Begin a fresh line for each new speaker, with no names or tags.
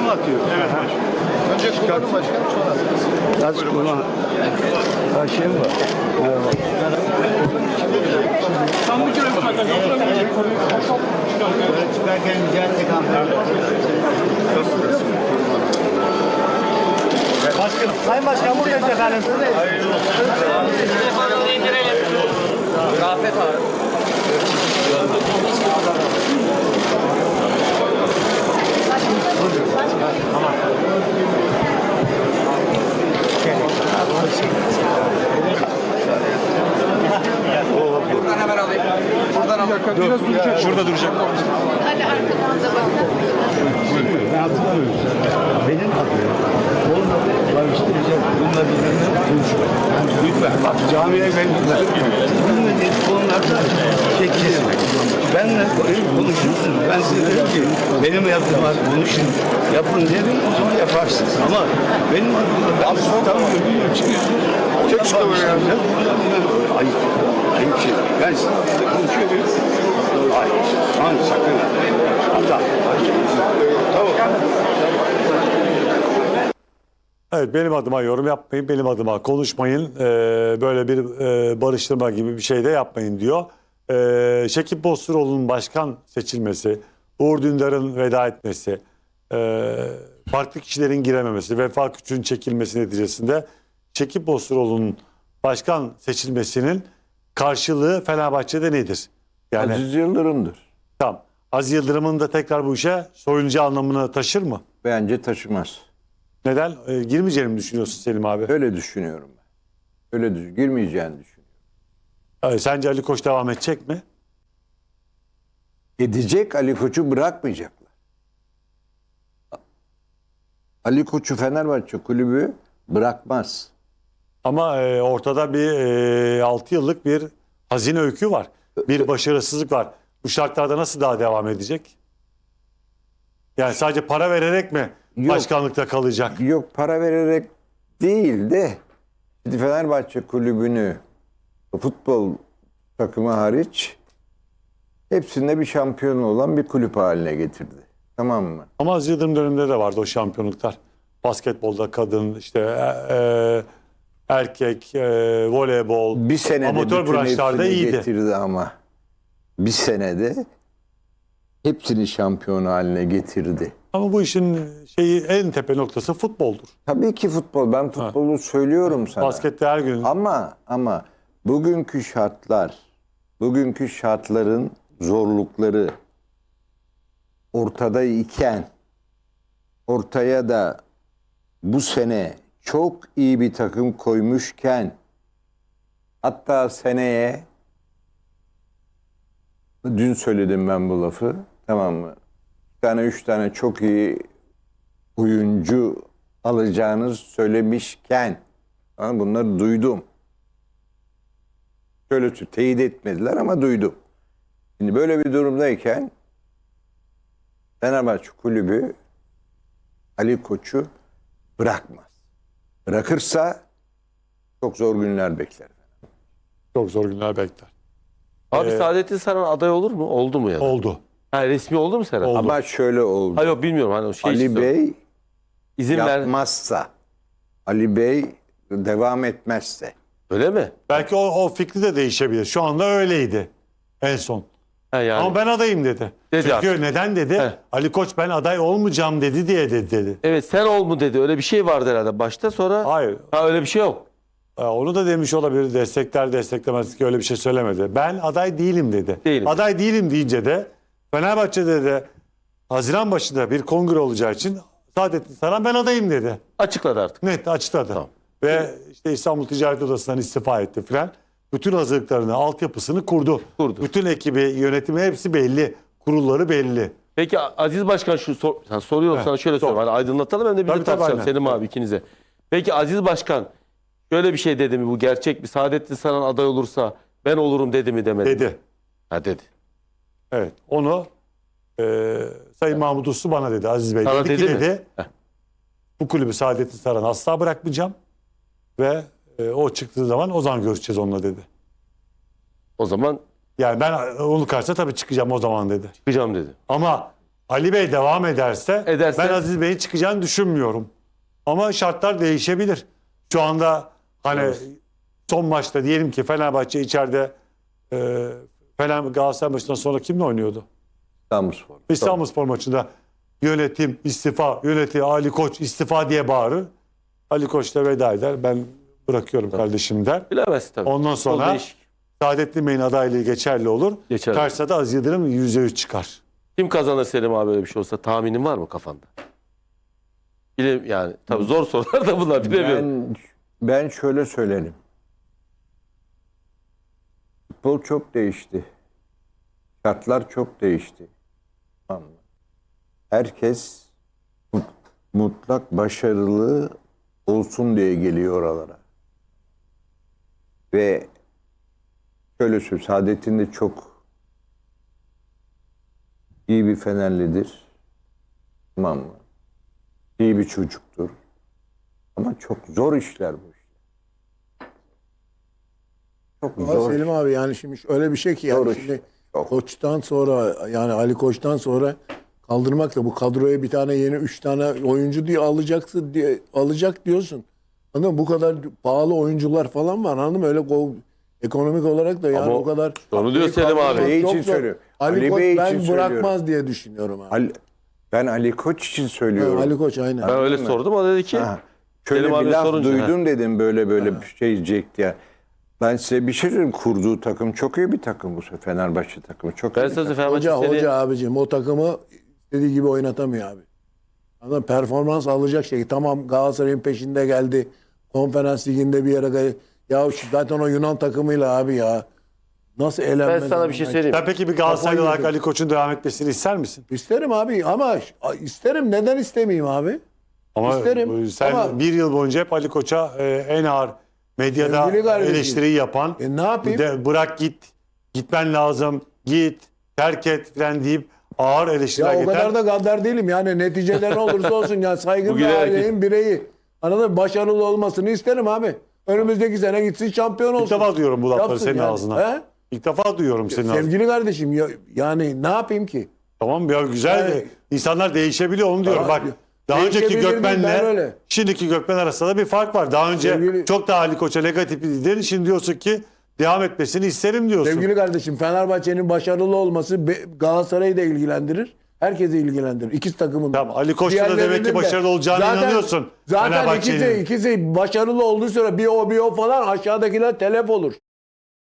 mı atıyor?
Evet başkanım.
Önce kullanın başkanım sonra atın.
Az kullan. Her şey mi var? Merhaba.
Tam bir kere
Böyle çıkarken mücadele kampları.
Başkanım. Sayın Başkan buradayız efendim.
Hayırlı olsun.
Telefonu indirelim. Rafet abi. Buradan hemen alayım. Buradan alayım.
Şurada duracak.
Hadi arkadan da bakın.
Ben hatırlamıyorum. Benim adım. Onun adı barıştıracak. Bununla bizimle konuşma. Lütfen. Bak camiye ben gitmem. Bununla ilgili konularda çekilin. Benle konuşursunuz. Ben size dedim ki benim yaptığım konuşun. Yapın dedim o zaman yaparsınız. Ama benim adımda ben tamam öbürüne çıkıyorsunuz. Çek şu kamerayı. Ayıp. Ayıp şey. Ben sizinle konuşuyorum. Hayır. Aman sakın. Hatta. Tamam.
Evet, benim adıma yorum yapmayın, benim adıma konuşmayın, böyle bir barıştırma gibi bir şey de yapmayın diyor. Şekip Bosturoğlu'nun başkan seçilmesi, Uğur Dündar'ın veda etmesi, farklı kişilerin girememesi, Vefa Küçük'ün çekilmesi neticesinde Şekip Bosturoğlu'nun başkan seçilmesinin karşılığı Fenerbahçe'de nedir? Yani
Aziz Yıldırım'dır.
tam Aziz Yıldırım'ın da tekrar bu işe soyuncu anlamını taşır mı?
Bence taşımaz.
Neden? Girmeyeceğini mi düşünüyorsun Selim abi?
Öyle düşünüyorum ben. Girmeyeceğini düşünüyorum.
Sence Ali Koç devam edecek mi?
Edecek, Ali Koç'u bırakmayacaklar. Ali Koç'u Fenerbahçe kulübü bırakmaz.
Ama ortada bir 6 yıllık bir hazine öykü var. Bir başarısızlık var. Bu şartlarda nasıl daha devam edecek? Yani sadece para vererek mi
Yok.
başkanlıkta kalacak?
Yok, para vererek değil de şimdi Fenerbahçe kulübünü futbol takımı hariç hepsinde bir şampiyon olan bir kulüp haline getirdi. Tamam mı?
Ama Aziz Yıldırım döneminde de vardı o şampiyonluklar. Basketbolda kadın, işte erkek, voleybol,
Bir senede
amatör
bütün
branşlarda
hepsini
iyiydi.
getirdi ama bir senede hepsini şampiyon haline getirdi.
Ama bu işin en tepe noktası futboldur.
Tabii ki futbol. Ben futbolu söylüyorum sana.
Baskette her gün
Ama bugünkü şartların zorlukları ortada iken ortaya da bu sene çok iyi bir takım koymuşken hatta seneye dün söyledim ben bu lafı, tamam mı? 3 tane çok iyi oyuncu alacağınızı söylemişken bunları duydum. Şöyle teyit etmediler ama duydum. Şimdi böyle bir durumdayken Fenerbahçe kulübü Ali Koç'u bırakmaz. Bırakırsa çok zor günler bekler.
çok zor günler bekler.
Abi Saadettin Saran aday olur mu? Oldu mu ya da?
Oldu.
Ha, resmi oldu mu Serhat?
Oldu.
Ama şöyle oldu.
Hayır, yok bilmiyorum. Hani o şey
Ali
istiyorum.
Bey
İzin ver.
yapmazsa, Ali Bey devam etmezse.
Öyle mi?
Belki o fikri de değişebilir. Şu anda öyleydi en son.
Ha, yani.
Ama ben adayım dedi.
Dedi
Çünkü
artık.
neden dedi?
He.
Ali Koç ben aday olmayacağım dedi.
Evet, sen ol mu dedi. Öyle bir şey vardı herhalde başta, sonra.
Hayır.
Ha, öyle bir şey yok.
Onu da demiş olabilir. Destekler desteklemez ki öyle bir şey söylemedi. Ben aday değilim dedi.
Değilim.
Aday değilim deyince de Fenerbahçe'de de Haziran başında bir kongre olacağı için Saadettin Saran ben adayım dedi.
Açıkladı artık.
Net açıkladı.
Tamam.
Ve işte İstanbul Ticaret Odası'ndan istifa etti filan. Bütün hazırlıklarını, altyapısını kurdu.
Kurdu.
Bütün ekibi, yönetimi hepsi belli. Kurulları belli.
Peki Aziz Başkan soruyorum sana, şöyle
sor.
söyleyeyim. Hani aydınlatalım hem de biz
Tabii,
de
tabii,
tartışalım
aynen.
Selim abi ikinize. Peki Aziz Başkan şöyle bir şey dedi mi, bu gerçek mi? Saadettin Saran aday olursa ben olurum dedi mi, demedi mi?
Dedi.
Ha, dedi.
Evet. Onu Sayın Mahmut Uslu bana dedi. Aziz Bey
Sana
dedi ki
dedi mi?
dedi.
Heh.
Bu kulübü Saadettin Saran asla bırakmayacağım. Ve o çıktığı zaman o zaman görüşeceğiz onunla dedi.
O zaman
Yani ben onu karşısına tabii çıkacağım o zaman dedi.
çıkacağım dedi.
Ama Ali Bey devam ederse
Ederse-
ben Aziz Bey'in çıkacağını düşünmüyorum. Ama şartlar değişebilir. Şu anda hani son maçta diyelim ki Fenerbahçe içeride Galatasaray maçından sonra kimle oynuyordu?
İstanbulspor.
İstanbulspor maçında yönetim istifa, yönetim Ali Koç istifa diye bağırır. Ali Koç da veda eder. Ben bırakıyorum kardeşim der.
Bilemezsin tabii.
Ondan
O
sonra
değişik.
Saadettin Bey'in adaylığı geçerli olur.
Geçerli.
Karşısında da Aziz Yıldırım %100 çıkar.
Kim kazanır Selim abi böyle bir şey olsa tahminin var mı kafanda? Yani tabii zor sorular da bunlar bilemiyorum.
Ben şöyle söylerim. Futbol çok değişti. Şartlar çok değişti. Tamam mı? Herkes mutlak başarılı olsun diye geliyor oralara. Ve şöyle söyleyeyim, Saadettin de çok iyi bir Fenerlidir. Tamam mı? İyi bir çocuktur. Ama çok zor işler bu işler. Çok
Ama
zor.
Selim abi yani şimdi öyle bir şey ki yani
Doğru.
şimdi
Çok.
Koç'tan sonra yani Ali Koç'tan sonra kaldırmak da bu kadroya bir tane yeni 3 tane oyuncu diye alacaksın diye alacak diyorsun. Anladın mı? Bu kadar pahalı oyuncular falan var. Anladın mı? Öyle ekonomik olarak da yani
Ama
o kadar
onu diyor Selim abi.
Ali
Çok
için
zor.
söylüyorum.
Ali
Ali
Koç
Bey
ben
için
bırakmaz
söylüyorum.
diye düşünüyorum abi.
Ben Ali Koç için söylüyorum.
Ali Koç aynen.
Ben öyle
Anladın mı?
sordum o dedi ki
Ha, şöyle
Selim
bir
abi
laf
sorunca,
duydum dedim böyle bir şey diyecek diye. Ben size bir şey söyleyeyim. Kurduğu takım çok iyi bir takım bu sefer. Fenerbahçe takımı çok
ben
iyi bir
sözü
takım.
Fenerbahçe seni
Hoca abicim o takımı istediği gibi oynatamıyor abi. Anladın mı? Performans alacak şey. Tamam Galatasaray'ın peşinde geldi. Konferans liginde bir yere geldi. Ya zaten o Yunan takımıyla abi ya. Nasıl elenmez?
ben sana bir şey söyleyeyim.
Sen peki bir Galatasaraylı olarak
yedim.
Ali Koç'un devam etmesini ister misin?
İsterim abi ama isterim. Neden istemeyeyim abi?
Ama
İsterim.
sen
Ama-
bir yıl boyunca hep Ali Koç'a en ağır medyada
Sevgili kardeşim.
eleştiriyi yapan,
Ne yapayım?
bırak gitmen lazım, git, terk et falan deyip ağır
Ya
eleştiriler
o
getiren.
kadar da gaddar değilim. Yani neticede ne olursa olsun ya saygın
Bugüne
bir
erkek-
ailenin bireyi. Anladın mı? Başarılı olmasını isterim abi. Önümüzdeki sene gitsin şampiyon olsun.
İlk defa duyuyorum bu lafları
Yapsın
senin
yani.
ağzından.
He?
İlk defa duyuyorum senin ağzından.
Sevgili kardeşim yani ne yapayım ki?
Tamam ya güzel.
Yani-
İnsanlar değişebiliyor onu diyorum.
Tamam.
Bak daha önceki
Değişebilir değil, ben
Gökmen'le
öyle.
şimdiki Gökmen arasında bir fark var. Daha önce
Sevgili-
çok daha Ali Koç'a negatif dedin. Şimdi diyorsun ki devam etmesini isterim diyorsun.
Sevgili kardeşim Fenerbahçe'nin başarılı olması Galatasaray'ı da ilgilendirir. Herkesi ilgilendirir. İkisi takımın.
Tamam, Ali Koç'ta da demek
Diğerlerinin
ki
de.
başarılı olacağına inanıyorsun.
Zaten
Fenerbahçe'nin.
ikisi başarılı olduğu sonra bir o falan aşağıdakiler telef olur.